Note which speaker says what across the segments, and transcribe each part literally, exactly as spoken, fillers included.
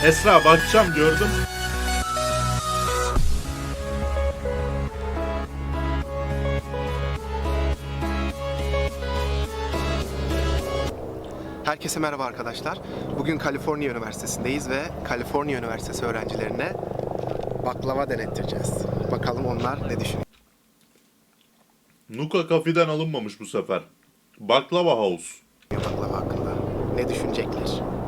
Speaker 1: Esra bakacağım, gördüm.
Speaker 2: Herkese merhaba arkadaşlar. Bugün Kaliforniya Üniversitesi'ndeyiz ve Kaliforniya Üniversitesi öğrencilerine baklava denettireceğiz. Bakalım onlar ne düşünüyor.
Speaker 1: Nuka Coffee'den alınmamış bu sefer. Baklava House.
Speaker 2: Baklava hakkında ne düşünecekler?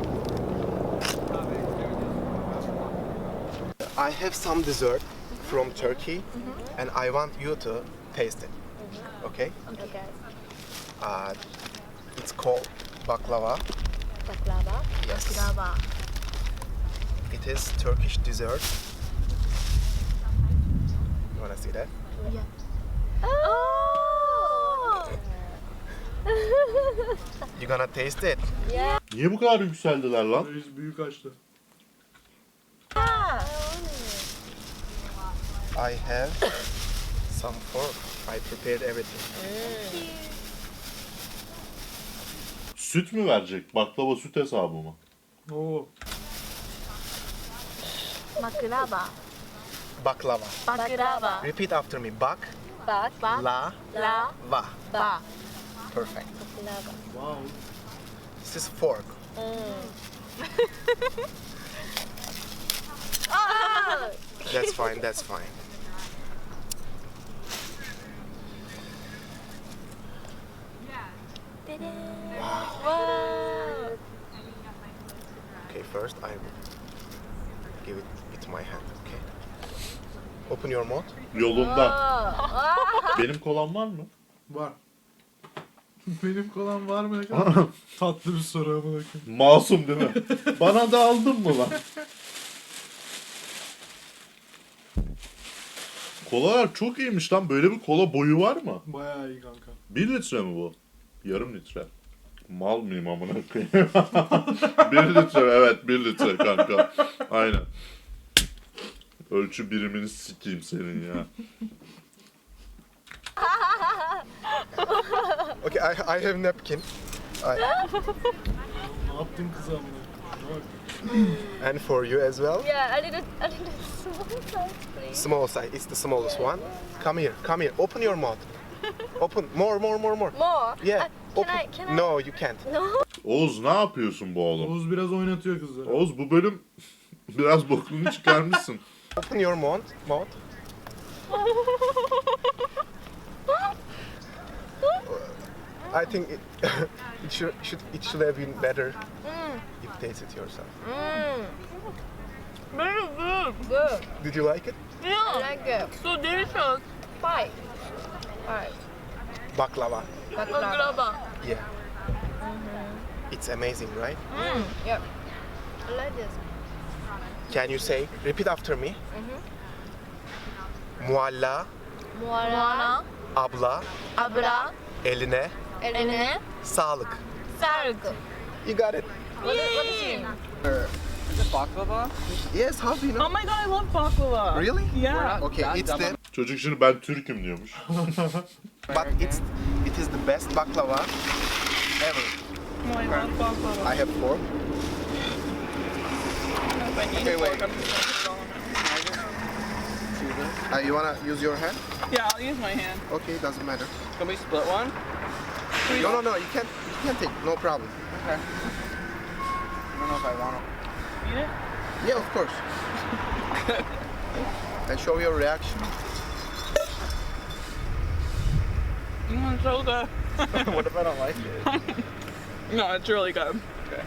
Speaker 2: I have some dessert from Turkey and I want you to taste it. Okay?
Speaker 3: Okay.
Speaker 2: Uh, it's called baklava.
Speaker 3: Baklava.
Speaker 2: Yes.
Speaker 3: Baklava.
Speaker 2: It is Turkish dessert. You wanna see that?
Speaker 3: Yeah. Oh!
Speaker 2: You gonna taste it?
Speaker 3: Yeah.
Speaker 1: Niye bu kadar yükseldiler lan?
Speaker 4: Reis büyük açtı.
Speaker 2: I have some fork. I prepared everything.
Speaker 1: Süt mü verecek? Baklava süt hesabı mı?
Speaker 4: Oo.
Speaker 3: Baklava.
Speaker 2: Baklava.
Speaker 3: Baklava.
Speaker 2: Repeat after me. Bak,
Speaker 3: Bak. Bak.
Speaker 2: la,
Speaker 3: La.
Speaker 2: va.
Speaker 3: Ba.
Speaker 2: Perfect.
Speaker 3: Baklava.
Speaker 4: Wow.
Speaker 2: This is fork.
Speaker 3: Oh!
Speaker 2: That's fine. That's fine.
Speaker 3: Wow.
Speaker 2: Okay. First, I will give it with my hand. Okay. Open your mouth.
Speaker 1: Yolunda.
Speaker 3: Oh.
Speaker 1: Benim kolam var mı?
Speaker 4: Var. Benim kolam var mı ne kadar? Tatlı bir soru amına koyayım.
Speaker 1: Masum değil mi? Bana da aldın mı lan? Kolalar çok iyiymiş lan. Böyle bir kola boyu var mı?
Speaker 4: Bayağı iyi kanka.
Speaker 1: Bir litre mi bu? Yarım litre. Mal mıyım amına koyayım? Bir litre, evet bir litre kanka. Aynen. Ölçü birimini sikeyim senin ya.
Speaker 2: Okay. I, I have napkin. I,
Speaker 4: Ne yaptın kıza amına koyayım?
Speaker 2: and for you as well.
Speaker 3: Yeah, I need a, I need a small size, please.
Speaker 2: Small size. It's the smallest one. Come here. Come here. Open your mouth. Open. More. More. More. More.
Speaker 3: More?
Speaker 2: Yeah.
Speaker 3: Uh, can
Speaker 2: Open.
Speaker 3: I, can I?
Speaker 2: No, you can't.
Speaker 3: No.
Speaker 1: Oğuz ne yapıyorsun bu oğlum?
Speaker 4: Oğuz biraz oynatıyor kızları.
Speaker 1: Oğuz bu bölüm biraz bokunu çıkarmışsın.
Speaker 2: Open your mouth. Mouth. I think it, it should, should it should have been better if you taste it yourself.
Speaker 3: Mm. Very good. Good.
Speaker 2: Did you like it?
Speaker 3: Yeah. I like it. So delicious. Five. Five.
Speaker 2: Baklava.
Speaker 3: Baklava.
Speaker 2: Yeah. It's amazing, right?
Speaker 3: Mm. Yep. I like this.
Speaker 2: Can you say? Repeat after me. Mualla,
Speaker 3: Muara.
Speaker 2: abla,
Speaker 3: Abra.
Speaker 2: eline,
Speaker 3: Eline.
Speaker 2: sağlık.
Speaker 3: Sarg.
Speaker 2: You got it.
Speaker 3: What, is- what is it?
Speaker 5: Is it baklava?
Speaker 2: Yes. How do you know?
Speaker 6: Oh my god, I love baklava.
Speaker 2: Really?
Speaker 6: Yeah.
Speaker 2: Okay.
Speaker 5: That
Speaker 2: It's the
Speaker 5: dumb-
Speaker 1: Çocuk şimdi ben Türk'üm diyormuş.
Speaker 2: but it's it is the best baklava ever.
Speaker 6: Oh, I love baklava.
Speaker 2: I have four.
Speaker 6: If I need
Speaker 2: Okay,
Speaker 6: a
Speaker 2: wait.
Speaker 6: fork, I'm just gonna put it all in it.
Speaker 2: Uh, you wanna use your hand?
Speaker 6: Yeah, I'll use my hand.
Speaker 2: Okay, doesn't matter.
Speaker 5: Can we split one?
Speaker 2: No, no, no. You can't. You can't take. No problem.
Speaker 5: Okay. I don't know if I want to.
Speaker 6: Eat it?
Speaker 2: Yeah, of course. And show your reaction.
Speaker 6: Mm, it's so good.
Speaker 5: What if I don't like it?
Speaker 6: No, it's really good.
Speaker 5: Okay.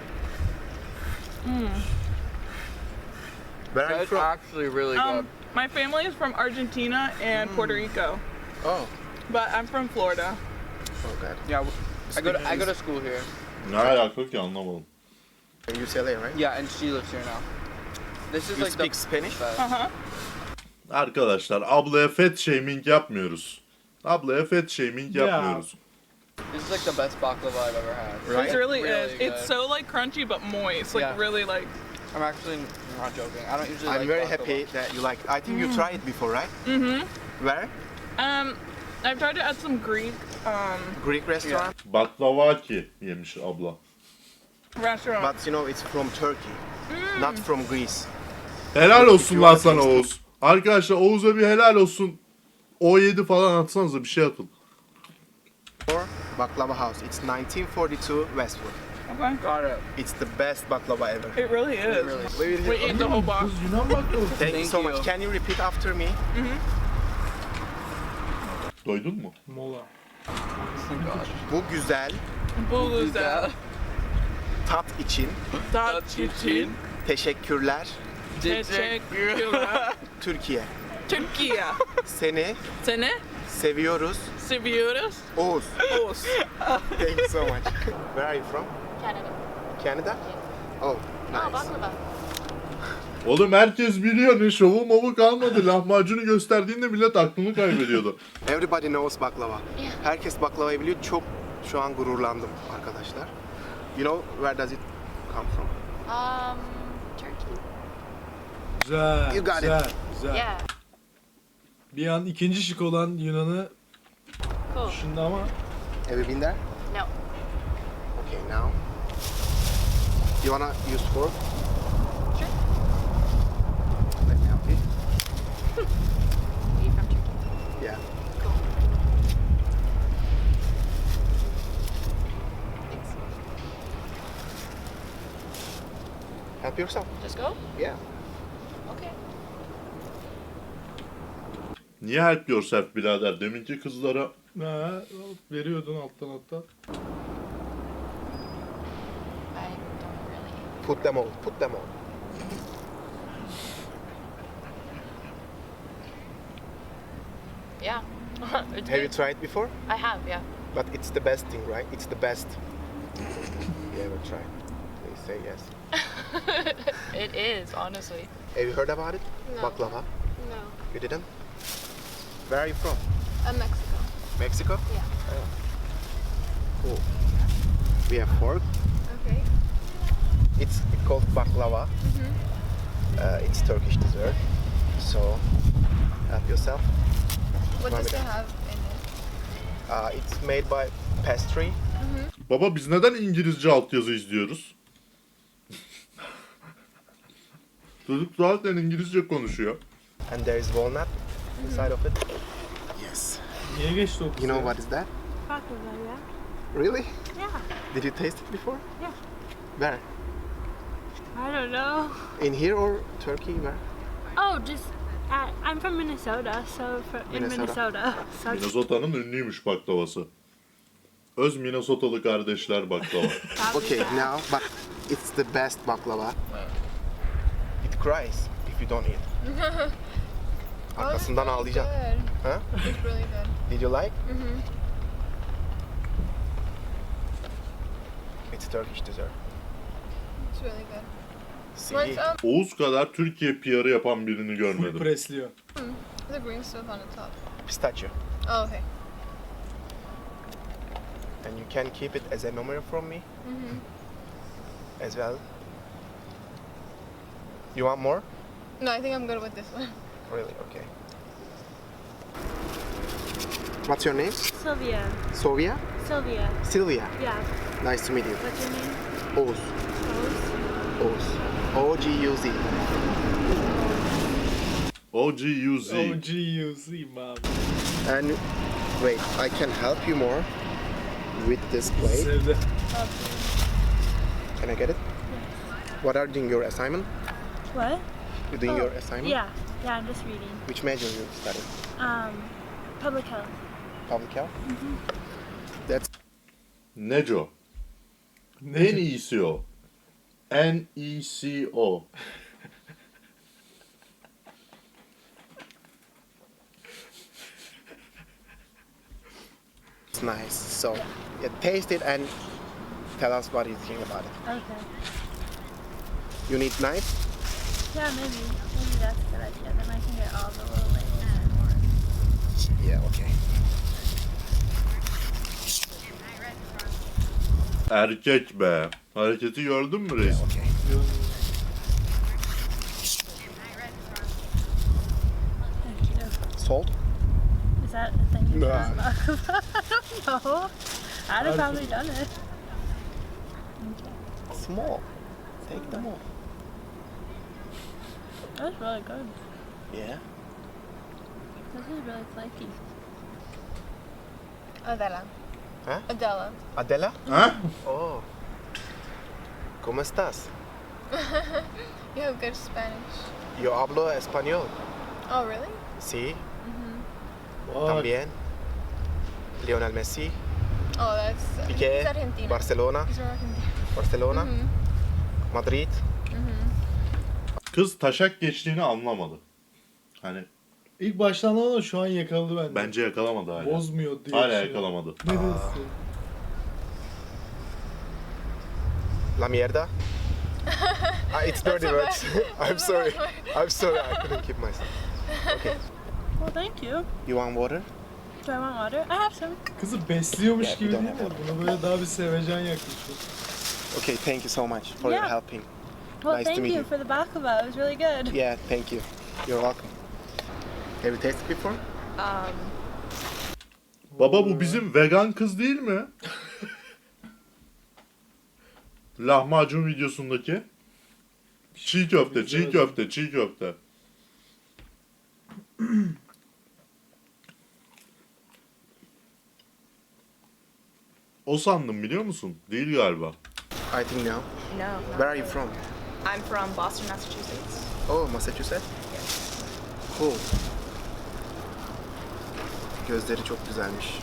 Speaker 2: Where are you
Speaker 5: That's
Speaker 2: from?
Speaker 5: actually really good.
Speaker 6: Um, my family is from Argentina and Puerto Rico,
Speaker 2: Oh.
Speaker 6: but I'm from Florida.
Speaker 2: Oh God.
Speaker 5: Yeah, w- I go to I go to school here.
Speaker 1: Ne alaka ki anlamadım.
Speaker 2: U C L A, right?
Speaker 5: Yeah, and she lives here now. This is
Speaker 2: You
Speaker 5: like
Speaker 2: speak
Speaker 5: the
Speaker 2: Spanish?
Speaker 5: best.
Speaker 6: Uh huh.
Speaker 1: Arkadaşlar ablaya fat shaming yapmıyoruz. Ablaya fat shaming
Speaker 4: Ya.
Speaker 1: yapmıyoruz.
Speaker 5: This is like the best baklava I've ever had.
Speaker 2: Right?
Speaker 6: It really,
Speaker 5: Really
Speaker 6: is. It's
Speaker 5: good.
Speaker 6: so like crunchy but moist. Like
Speaker 5: Yeah.
Speaker 6: really like.
Speaker 5: I'm actually not joking. I don't usually
Speaker 2: I'm
Speaker 5: like
Speaker 2: very
Speaker 5: baklava.
Speaker 2: happy that you like. I think you tried it before, right?
Speaker 6: Mm-hmm.
Speaker 2: Where?
Speaker 6: Um, I've tried it at some Greek um
Speaker 2: Greek restaurant.
Speaker 1: Baklavaki yemiş abla.
Speaker 6: restaurant.
Speaker 2: But you know, it's from Turkey.
Speaker 6: Mm.
Speaker 2: Not from Greece.
Speaker 1: Helal olsun
Speaker 2: You
Speaker 1: lan
Speaker 2: wanna
Speaker 1: sana
Speaker 2: taste it?
Speaker 1: Oğuz. Arkadaşlar Oğuz'a bir helal olsun. O yedi falan atsanıza bir şey atın.
Speaker 2: Or Baklava House. It's nineteen forty-two Westwood.
Speaker 6: Okay.
Speaker 5: Got it.
Speaker 2: It's the best baklava ever.
Speaker 6: It really is.
Speaker 5: Really.
Speaker 2: We will
Speaker 6: We eat the whole box.
Speaker 4: Kız Yunan baklavası.
Speaker 2: Thank you
Speaker 5: Thank
Speaker 2: so
Speaker 5: you.
Speaker 2: much. Can you repeat after me?
Speaker 1: Doydun mu?
Speaker 4: Mola.
Speaker 5: Oh my gosh.
Speaker 2: Bu güzel
Speaker 6: Bu güzel.
Speaker 2: tat için
Speaker 6: Tat için.
Speaker 2: teşekkürler
Speaker 6: Teşekkürler.
Speaker 2: Türkiye.
Speaker 6: Türkiye.
Speaker 2: Seni
Speaker 6: Seni
Speaker 2: seviyoruz
Speaker 6: seviyoruz.
Speaker 2: Oğuz.
Speaker 6: Oz.
Speaker 2: Thank you so much. Where are you from?
Speaker 3: Canada.
Speaker 2: Canada? Oh,
Speaker 3: Oh,
Speaker 2: nice.
Speaker 3: baklava.
Speaker 1: Oğlum herkes biliyor ne şovu movu kalmadı. Lahmacunu gösterdiğinde millet aklını kaybediyordu.
Speaker 2: Everybody knows baklava. Herkes baklavayı biliyor. Çok şu an gururlandım arkadaşlar. You know where does it come from?
Speaker 3: Um, Turkey.
Speaker 4: Güzel.
Speaker 2: You got it.
Speaker 4: güzel. Güzel.
Speaker 3: Yeah.
Speaker 4: Bir an ikinci şık olan Yunan'ı
Speaker 3: Cool.
Speaker 4: düşündü ama
Speaker 2: Have you been there?
Speaker 3: No.
Speaker 2: Okay, now. You wanna use fork?
Speaker 3: Sure.
Speaker 2: Let me help you.
Speaker 3: Are you from Turkey?
Speaker 2: Yeah.
Speaker 3: Cool. Thanks.
Speaker 2: Help yourself.
Speaker 3: Just go?
Speaker 2: Yeah.
Speaker 3: Okay.
Speaker 1: Niye help yourself birader? Deminki kızlara
Speaker 4: ha, veriyordun alttan alttan.
Speaker 3: I don't really.
Speaker 2: Put them on. Put them on.
Speaker 3: Yeah. It's
Speaker 2: Have you
Speaker 3: good.
Speaker 2: tried before?
Speaker 3: I have, yeah.
Speaker 2: But it's the best thing, right? It's the best. You ever tried? Please say yes.
Speaker 3: It is, honestly.
Speaker 2: Have you heard about it?
Speaker 7: No.
Speaker 2: Baklava?
Speaker 7: No.
Speaker 2: You didn't? Where are you from?
Speaker 7: Uh, Mexico.
Speaker 2: Mexico?
Speaker 7: Yeah.
Speaker 2: Cool. We have fork.
Speaker 7: Okay.
Speaker 2: It's called baklava. Uh, it's Turkish dessert. So, help yourself.
Speaker 7: What
Speaker 2: Want
Speaker 7: does
Speaker 2: me
Speaker 7: it
Speaker 2: to-
Speaker 7: have in it?
Speaker 2: Uh, it's made by pastry.
Speaker 1: baba biz neden İngilizce altyazı izliyoruz? Çocuk zaten İngilizce konuşuyor.
Speaker 2: And there is walnut inside of it. Yes.
Speaker 4: Niye geçti o
Speaker 2: You
Speaker 4: kız
Speaker 2: know
Speaker 4: ya?
Speaker 2: what is that?
Speaker 7: Baklava, yeah.
Speaker 2: Really?
Speaker 7: Yeah.
Speaker 2: Did you taste it before?
Speaker 7: Yeah.
Speaker 2: Where?
Speaker 7: I don't know.
Speaker 2: In here or Turkey? Where?
Speaker 7: Oh, just uh, I'm from Minnesota, so for, in
Speaker 2: Minnesota.
Speaker 7: Minnesota. So
Speaker 1: Minnesota'nın ünlüymüş baklavası. Öz Minnesotalı kardeşler baklava.
Speaker 7: probably
Speaker 2: Okay,
Speaker 7: that.
Speaker 2: now, but it's the best baklava. It cries if you don't eat. Arkasından ağlayacak.
Speaker 7: Good.
Speaker 2: Huh?
Speaker 7: It's really good.
Speaker 2: Did you like?
Speaker 7: Mhm.
Speaker 2: It's Turkish dessert.
Speaker 7: It's really good.
Speaker 2: See?
Speaker 7: What's um
Speaker 1: Oğuz kadar Türkiye P R'ı yapan birini
Speaker 4: Full
Speaker 1: görmedim.
Speaker 4: presliyor.
Speaker 7: the green stuff on the top?
Speaker 2: Pistachio.
Speaker 7: Oh, okay.
Speaker 2: And you can keep it as a memory from me
Speaker 7: Mhm.
Speaker 2: as well. You want more?
Speaker 7: No, I think I'm good with this one.
Speaker 2: Really? Okay. What's your name?
Speaker 7: Sylvia.
Speaker 2: Sylvia?
Speaker 7: Sylvia.
Speaker 2: Sylvia.
Speaker 7: Yeah.
Speaker 2: Nice to meet you.
Speaker 7: What's your name?
Speaker 2: Oğuz.
Speaker 7: Rose.
Speaker 2: Oğuz. O G U Z.
Speaker 1: O G U Z.
Speaker 4: O G U Z abi.
Speaker 2: And wait, I can help you more with this plate.
Speaker 4: Sevdi.
Speaker 2: Can I get it? What are you doing your assignment?
Speaker 7: What?
Speaker 2: You doing
Speaker 7: Oh,
Speaker 2: your assignment?
Speaker 7: Yeah. Yeah, I'm just reading.
Speaker 2: Which major you study?
Speaker 7: Um, public health.
Speaker 2: Public health? That's
Speaker 1: Neco. En iyisi o. N E C O.
Speaker 2: nice. So, yeah, taste it and tell us what you think about it.
Speaker 7: Okay.
Speaker 2: You need knife?
Speaker 7: Yeah, maybe. Maybe that's a good idea. Then I can get all the little like.
Speaker 2: Yeah, okay.
Speaker 1: Erkek be. Hareketi gördün mü reis?
Speaker 2: Okay.
Speaker 7: Thank you.
Speaker 2: Salt?
Speaker 7: Is that a thing you
Speaker 2: Nah.
Speaker 7: can talk about? I don't know. I'd have probably done it.
Speaker 2: Small. Take them all.
Speaker 7: That's really good.
Speaker 2: Yeah.
Speaker 7: This is really flaky.
Speaker 3: Adela.
Speaker 2: Huh?
Speaker 3: Adela.
Speaker 2: Adela?
Speaker 1: Ha?
Speaker 2: Oh. ¿Cómo estás?
Speaker 3: You have good Spanish.
Speaker 2: Yo hablo español.
Speaker 3: Oh, really?
Speaker 2: Sí,
Speaker 4: Vay.
Speaker 2: también. Lionel Messi,
Speaker 3: Oh, that's.
Speaker 2: Piqué,
Speaker 3: He's Argentina.
Speaker 2: Barcelona,
Speaker 3: He's from Argentina.
Speaker 2: Barcelona,
Speaker 3: Mhm.
Speaker 2: Madrid.
Speaker 1: Kız taşak geçtiğini anlamadı. Hani
Speaker 4: İlk baştan ama şu an yakaladı bende.
Speaker 1: bence yakalamadı hala.
Speaker 4: Bozmuyor diye.
Speaker 1: Hala
Speaker 4: düşünüyorum.
Speaker 1: yakalamadı.
Speaker 4: Ne diyorsun?
Speaker 2: La mierda. Ah, it's dirty
Speaker 3: a
Speaker 2: words.
Speaker 3: bad-
Speaker 2: I'm
Speaker 3: that's a
Speaker 2: sorry.
Speaker 3: bad word.
Speaker 2: I'm sorry. I couldn't keep myself. Okay.
Speaker 7: Well, thank you.
Speaker 2: You want water?
Speaker 7: Do I want water? I have some.
Speaker 4: Kızı besliyormuş
Speaker 2: Yeah,
Speaker 4: gibi
Speaker 2: bir
Speaker 4: değil
Speaker 2: de-
Speaker 4: mi? Buna böyle daha bir sevecen yaklaşıyor.
Speaker 2: Okay, thank you so much for your
Speaker 7: Yeah.
Speaker 2: helping.
Speaker 7: Well,
Speaker 2: Nice to
Speaker 7: thank
Speaker 2: meet
Speaker 7: you
Speaker 2: you.
Speaker 7: for the baklava. It was really good.
Speaker 2: Yeah, thank you. You're welcome. Have you tasted before?
Speaker 3: Um,
Speaker 1: Baba bu bizim vegan kız değil mi? Lahmacun videosundaki. Çiğ köfte, çiğ köfte, çiğ köfte. O sandım biliyor musun? Değil galiba.
Speaker 2: I think no.
Speaker 8: No. not
Speaker 2: Where are you
Speaker 8: really.
Speaker 2: from?
Speaker 8: I'm from Boston, Massachusetts.
Speaker 2: Oh, Massachusetts? Cool. Gözleri çok güzelmiş.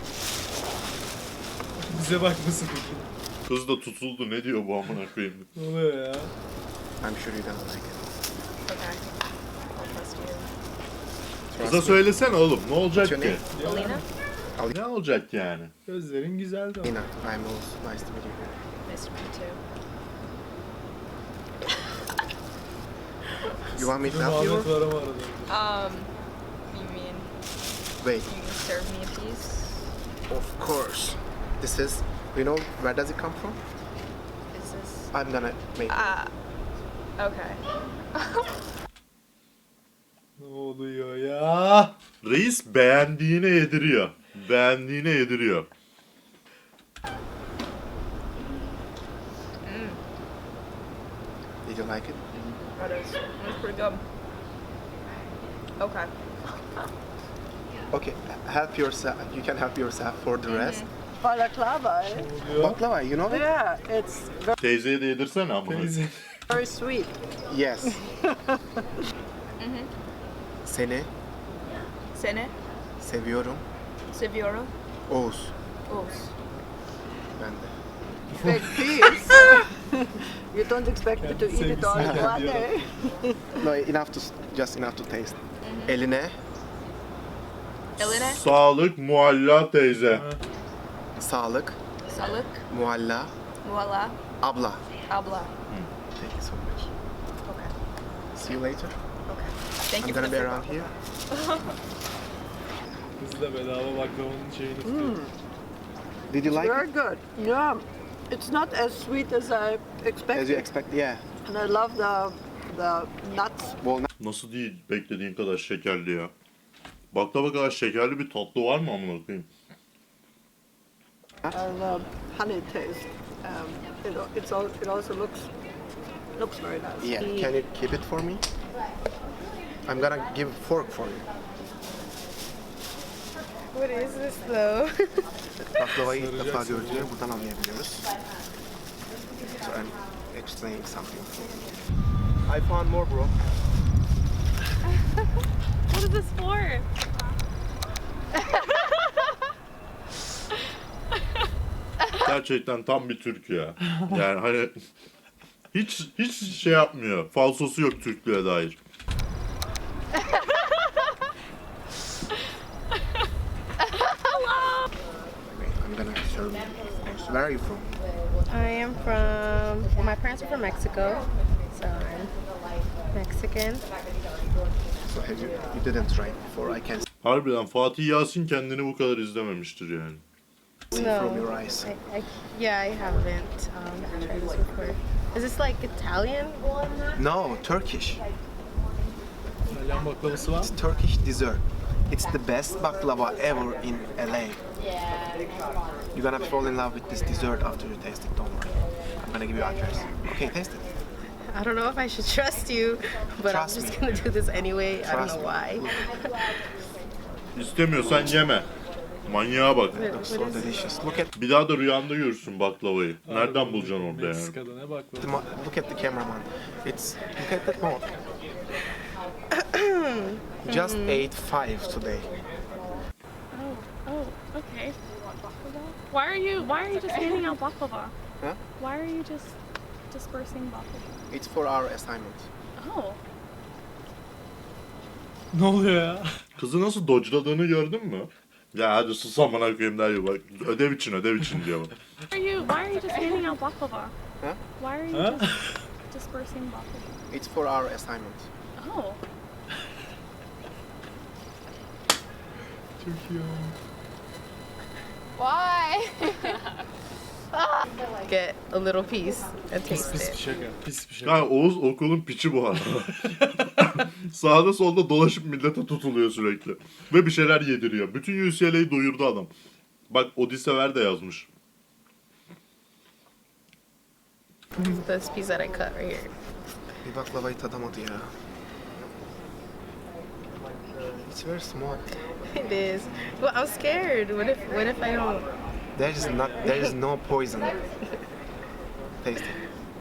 Speaker 4: Bize bakmasın peki.
Speaker 1: Kız da tutuldu. Ne diyor bu amına koyayım?
Speaker 4: Ne oluyor ya?
Speaker 2: I'm sure you don't like it.
Speaker 8: Okay. I'll trust you.
Speaker 1: Kıza söylesene oğlum. Ne olacak
Speaker 2: What's your
Speaker 1: ki?
Speaker 2: name?
Speaker 8: Alina?
Speaker 1: Ne olacak yani?
Speaker 4: Gözlerin güzeldi ama.
Speaker 2: Nina, I'm also nice to meet you.
Speaker 8: Nice to meet you too.
Speaker 2: You want me to
Speaker 4: Bir
Speaker 2: help
Speaker 4: muhabbet
Speaker 2: you?
Speaker 4: var ama arada.
Speaker 8: Um, you mean
Speaker 2: Wait,
Speaker 8: you can serve me a piece?
Speaker 2: of course. This is, you know, where does it come from?
Speaker 8: Is this?
Speaker 2: I'm gonna make it.
Speaker 8: Ah. Okay.
Speaker 4: Ne oluyor ya?
Speaker 1: Reis beğendiğine yediriyor. Beğendiğine yediriyor.
Speaker 2: Did you like it?
Speaker 8: That is. That's pretty good. Okay.
Speaker 2: Okay, help yourself. You can help yourself for the rest.
Speaker 9: Balaclava, eh?
Speaker 4: Ne oluyor?
Speaker 2: Baklava, you know it?
Speaker 9: Yeah, it's very,
Speaker 1: Teyzeye de yedirsene amına.
Speaker 4: Teyze.
Speaker 9: very sweet.
Speaker 2: Yes. Seni
Speaker 8: Sene.
Speaker 2: seviyorum.
Speaker 8: Seviyorum.
Speaker 2: Oğuz.
Speaker 8: Oz.
Speaker 2: Ben de.
Speaker 9: Big piece. You don't expect me to eat it all in one day.
Speaker 2: No, enough to, just enough to taste. Eline
Speaker 8: Eline.
Speaker 1: Sağlık mualla teyze.
Speaker 2: sağlık.
Speaker 8: Salık.
Speaker 2: Mualla.
Speaker 8: Muala.
Speaker 2: Abla.
Speaker 8: Abla.
Speaker 2: Thank you so much.
Speaker 8: Okay.
Speaker 2: See you later.
Speaker 8: Okay. Thank
Speaker 2: I'm
Speaker 8: you for
Speaker 2: gonna
Speaker 8: the
Speaker 2: be
Speaker 8: food
Speaker 2: around
Speaker 8: baklava.
Speaker 2: here.
Speaker 4: Kız da bedava baklavanın şeyini tutuyor.
Speaker 2: Did you like
Speaker 9: Very
Speaker 2: it?
Speaker 9: good. Yeah. It's not as sweet as I
Speaker 2: As you
Speaker 9: expected.
Speaker 2: expect, yeah.
Speaker 9: And I love the the nuts.
Speaker 2: Walnut.
Speaker 1: Nasıl değil beklediğin kadar şekerli ya. Baklava kadar şekerli bir tatlı var mı amına koyayım?
Speaker 9: And the honey taste. Um, it, it's all, it also looks looks very nice.
Speaker 2: Yeah. Can you keep it for me? I'm gonna give a fork for you.
Speaker 3: what is this though?
Speaker 2: Baklavayı ilk defa gördüğünü buradan anlayabiliyoruz. So I'm explaining something. I found more, bro.
Speaker 7: What is this for?
Speaker 1: Gerçekten tam bir Türk ya. Yani hani hiç hiç şey yapmıyor. Falsosu yok Türklüğe dair.
Speaker 2: Wait, I'm gonna serve you. Where are you from?
Speaker 3: I am from. Well, my parents are from Mexico, so I'm Mexican.
Speaker 2: So have you, you didn't try it before, I can see
Speaker 1: Harbiden Fatih Yasin kendini bu kadar izlememiştir yani.
Speaker 2: from your eyes.
Speaker 3: I, I, yeah, I haven't um, tried this before. Is this like Italian?
Speaker 2: No, Turkish.
Speaker 4: İtalyan baklavası var mı?
Speaker 2: It's Turkish dessert. It's the best baklava ever in L A. You're gonna fall in love with this dessert after you taste it, don't worry. I'm gonna give you address. Okay, taste it.
Speaker 3: I don't know if I should trust you, but
Speaker 2: Trust
Speaker 3: I'm just
Speaker 2: me.
Speaker 3: gonna do this anyway. I don't
Speaker 2: Trust
Speaker 3: know
Speaker 2: me.
Speaker 3: why.
Speaker 1: İstemiyorsan yeme. Manyağa bak.
Speaker 2: Looks so delicious. Look at
Speaker 1: Bir daha da rüyanda görürsün baklavayı. Nereden bulacaksın orada yani?
Speaker 4: Meksika'da ne bak
Speaker 2: the mo- look at the cameraman. It's look at that mouth. Just ate five today.
Speaker 7: Oh, oh, okay. Why are you Why are you just handing out baklava?
Speaker 2: Huh?
Speaker 7: Why are you just dispersing baklava?
Speaker 2: It's for our assignment.
Speaker 7: Oh,
Speaker 4: Ne oluyor ya?
Speaker 1: Kızı nasıl dodge'ladığını gördün mü? Ya hadi sus amına koyayım der bak. Ödev için ödev için diyor.
Speaker 7: why are you Why are you just handing out baklava?
Speaker 2: Huh?
Speaker 7: Why are you
Speaker 4: Huh?
Speaker 7: just dispersing baklava?
Speaker 2: It's for our assignment.
Speaker 7: Oh,
Speaker 4: Çok iyi ya.
Speaker 8: Why?
Speaker 3: Get a little piece and
Speaker 4: Pis
Speaker 3: taste
Speaker 4: pis bir
Speaker 3: it.
Speaker 4: şaka. Pis bir şaka.
Speaker 1: Yani Oğuz okulun piçi bu arada. Sağda solda dolaşıp millete tutuluyor sürekli. Ve bir şeyler yediriyor. Bütün U C L A'yı doyurdu adam. Bak Odisever de yazmış.
Speaker 3: This piece that I cut right here.
Speaker 2: Bir baklavayı tadamadı ya. It's very small.
Speaker 3: It is. Well, I'm scared. What if What if I don't?
Speaker 2: There is not. There is no poison. Taste it.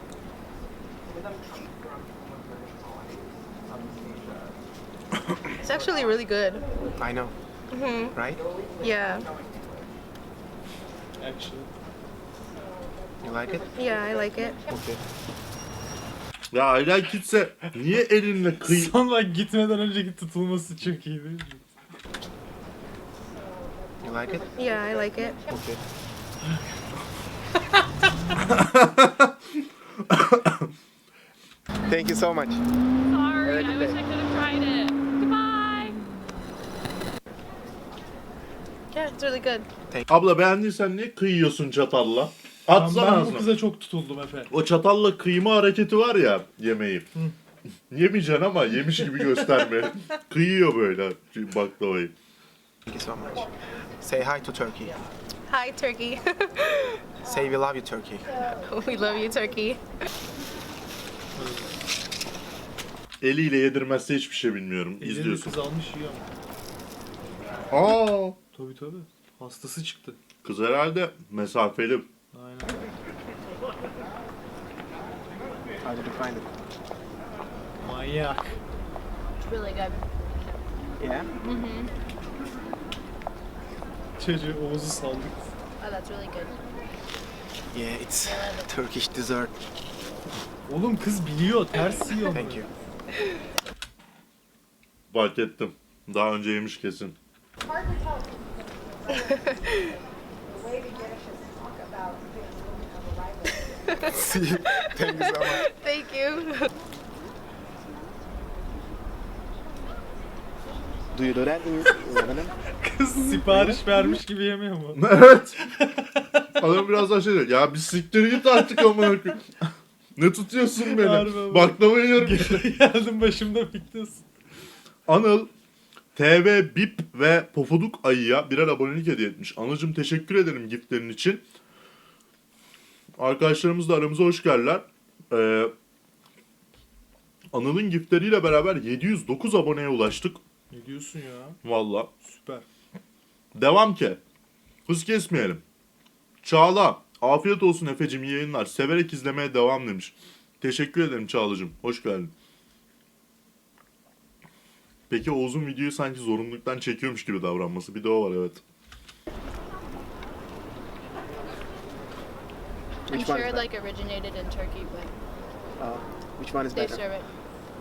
Speaker 3: It's actually really good.
Speaker 2: I know. Right?
Speaker 3: Yeah.
Speaker 4: Actually.
Speaker 2: You like it?
Speaker 3: Yeah, I like it.
Speaker 2: Okay.
Speaker 1: Ya Ayla gitse niye elinle kıy...
Speaker 4: Sonra gitmeden önceki tutulması çok iyi değil mi?
Speaker 2: You like it?
Speaker 3: Yeah, I like it.
Speaker 2: Okay. Thank you so much.
Speaker 7: sorry.
Speaker 2: Have a
Speaker 7: I
Speaker 2: good
Speaker 7: wish
Speaker 2: day.
Speaker 7: I could have tried it. Goodbye.
Speaker 3: Yeah, it's really good.
Speaker 1: Abla beğendiysen niye kıyıyorsun çatalla?
Speaker 4: Ben,
Speaker 1: Atsana
Speaker 4: ben bu
Speaker 1: ağzına.
Speaker 4: kıza çok tutuldum Efe.
Speaker 1: O çatalla kıyma hareketi var ya yemeği. Yemeyeceksin ama yemiş gibi gösterme. Kıyıyor böyle baklavayı.
Speaker 2: Thank you so much. Say hi to Turkey.
Speaker 3: Hi, Turkey.
Speaker 2: Say we love you, Turkey.
Speaker 3: We love you, Turkey.
Speaker 1: Eliyle yedirmezse hiçbir şey bilmiyorum.
Speaker 4: Elini
Speaker 1: İzliyorsun.
Speaker 4: kız almış yiyor ama.
Speaker 1: Aa,
Speaker 4: Tabii tabii. Hastası çıktı.
Speaker 1: kız herhalde mesafeli.
Speaker 4: Aynen.
Speaker 2: How did you find it?
Speaker 4: Manyak.
Speaker 8: It's really good.
Speaker 2: Yeah?
Speaker 4: Çocuğu Oğuz'u saldık.
Speaker 8: Oh, that's really good.
Speaker 2: Yeah, it's Turkish dessert.
Speaker 4: Oğlum kız biliyor. Ters yiyor.
Speaker 2: Thank you.
Speaker 1: Fark ettim. Daha önce yemiş kesin.
Speaker 2: See you. Thank you so much.
Speaker 3: Thank you.
Speaker 2: Do you do that in Lebanon?
Speaker 4: Kız sipariş vermiş gibi yemiyor mu?
Speaker 1: Evet. Adam biraz daha şey diyor. Ya bir siktir git artık amına koyayım. Ne tutuyorsun
Speaker 4: Harbi
Speaker 1: beni?
Speaker 4: ama.
Speaker 1: Baklava yiyorum.
Speaker 4: Geldim başımda bekliyorsun.
Speaker 1: Anıl T V Bip ve Pofuduk Ayı'ya birer abonelik hediye etmiş. Anılcım teşekkür ederim giftlerin için. Arkadaşlarımız da aramıza hoş geldiler. Ee, Anıl'ın giftleriyle beraber yedi yüz dokuz aboneye ulaştık.
Speaker 4: Ne diyorsun ya?
Speaker 1: Valla.
Speaker 4: Süper.
Speaker 1: Devam ki. Hız kesmeyelim. Çağla. Afiyet olsun Efe'cim, iyi yayınlar. Severek izlemeye devam demiş. Teşekkür ederim Çağla'cım. Hoş geldin. Peki Oğuz'un videoyu sanki zorunluluktan çekiyormuş gibi davranması. Bir de o var evet.
Speaker 8: I'm
Speaker 2: Which one
Speaker 8: sure
Speaker 2: is
Speaker 8: it
Speaker 2: better?
Speaker 8: like originated in Turkey, but
Speaker 2: Uh, which one is
Speaker 8: they
Speaker 2: better?
Speaker 8: serve it.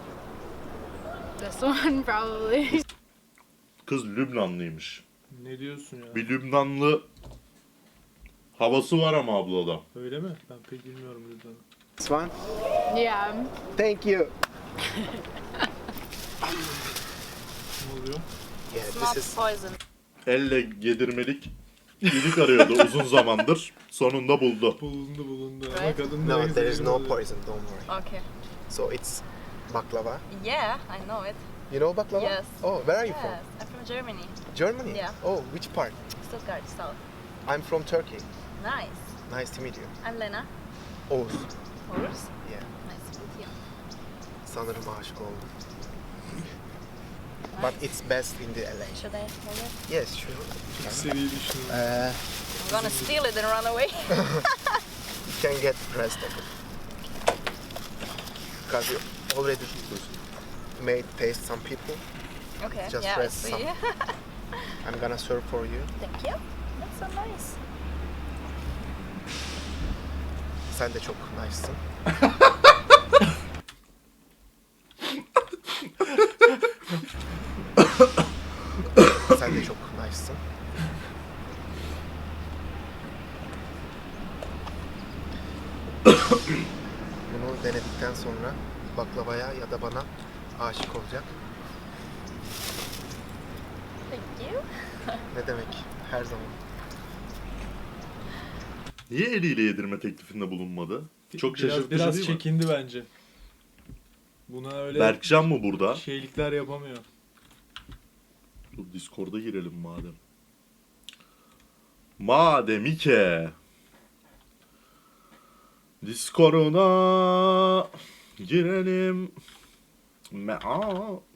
Speaker 8: This one probably.
Speaker 1: Kız Lübnanlıymış.
Speaker 4: Ne diyorsun ya?
Speaker 1: Bir Lübnanlı havası var ama ablada.
Speaker 4: Öyle mi? Ben pek bilmiyorum Lübnan'ı.
Speaker 2: This one?
Speaker 8: Yeah.
Speaker 2: Thank you.
Speaker 4: Ne oluyor?
Speaker 2: Yeah,
Speaker 8: Small
Speaker 2: this is
Speaker 8: poison.
Speaker 1: Elle yedirmelik iyilik arıyordu uzun zamandır. Sonunda buldu.
Speaker 4: Bulundu bulundu.
Speaker 8: Right.
Speaker 4: Ama kadın
Speaker 2: no,
Speaker 4: neyse
Speaker 2: there is no
Speaker 4: oluyor.
Speaker 2: poison. Don't worry.
Speaker 8: Okay.
Speaker 2: So it's baklava.
Speaker 8: Yeah, I know it.
Speaker 2: You know baklava?
Speaker 8: Yes.
Speaker 2: Oh, where are you
Speaker 8: Yes,
Speaker 2: from?
Speaker 8: I'm from Germany.
Speaker 2: Germany.
Speaker 8: Yeah.
Speaker 2: Oh, which part?
Speaker 8: Stuttgart, South.
Speaker 2: I'm from Turkey.
Speaker 8: Nice.
Speaker 2: Nice to meet you.
Speaker 8: I'm Lena.
Speaker 2: Oğuz.
Speaker 8: Horse.
Speaker 2: Yeah.
Speaker 8: Nice to meet you.
Speaker 2: Sanırım aşık oldum. But it's best in the L A.
Speaker 8: Should I hold it?
Speaker 2: Yes, sure.
Speaker 4: Seriyi düşünün.
Speaker 2: Uh,
Speaker 8: I'm gonna steal it and run away.
Speaker 2: you can get the rest of it. Because you already made taste some people.
Speaker 8: Okay.
Speaker 2: Just
Speaker 8: yeah, I
Speaker 2: press
Speaker 8: see.
Speaker 2: some. I'm gonna serve for you.
Speaker 8: Thank you. That's so nice.
Speaker 2: Sen de çok nice'sın. Sen de çok nice'sın. Bunu denedikten sonra baklavaya ya da bana aşık olacak.
Speaker 8: Thank you.
Speaker 2: Ne demek? Her zaman.
Speaker 1: Niye eliyle yedirme teklifinde bulunmadı? Çok
Speaker 4: Biraz,
Speaker 1: şaşırtıcı
Speaker 4: biraz
Speaker 1: değil mi?
Speaker 4: çekindi bence. Buna öyle
Speaker 1: Berkcan mı burada?
Speaker 4: şeylikler yapamıyor.
Speaker 1: Dur Discord'a girelim madem. Madem ki Discord'a girelim. Me Aa,